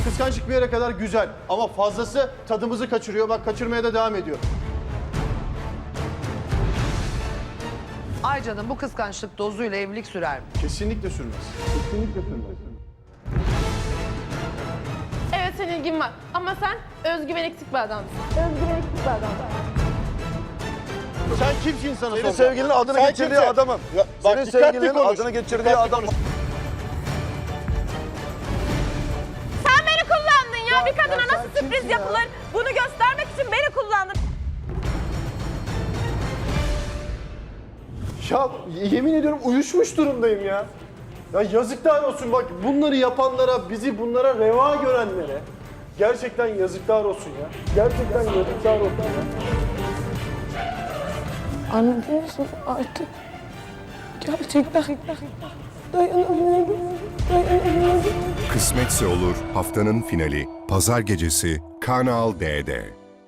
Kıskançlık bir yere kadar güzel ama fazlası tadımızı kaçırıyor. Bak kaçırmaya da devam ediyor. Aycan'ın bu kıskançlık dozuyla evlilik sürer mi? Kesinlikle sürmez. Kesinlikle sürmez. Evet senin ilgin var ama sen özgüven eksik bir adamsın. Özgüven eksik bir adamsın. Sen kimsin sana Senin soracağım? sevgilinin adını Sen geçirdiği kimsin? adamım. Ya, bak, Senin dikkatli sevgilinin konuş. adını geçirdiği Dikkatli adamım. konuş. Sen beni kullandın ya. Bir kadına sen nasıl sürpriz kimsin ya? yapılır? Bunu göstermek için beni kullandın. Ya yemin ediyorum uyuşmuş durumdayım ya. Ya yazıklar olsun bak bunları yapanlara, bizi bunlara reva görenlere. Gerçekten yazıklar olsun ya. Gerçekten yazıklar olsun ya. Anlıyorsun artık. Gerçekten dayanamıyorum. Dayanamıyorum. Kısmetse Olur haftanın finali Pazar gecesi Kanal D'de.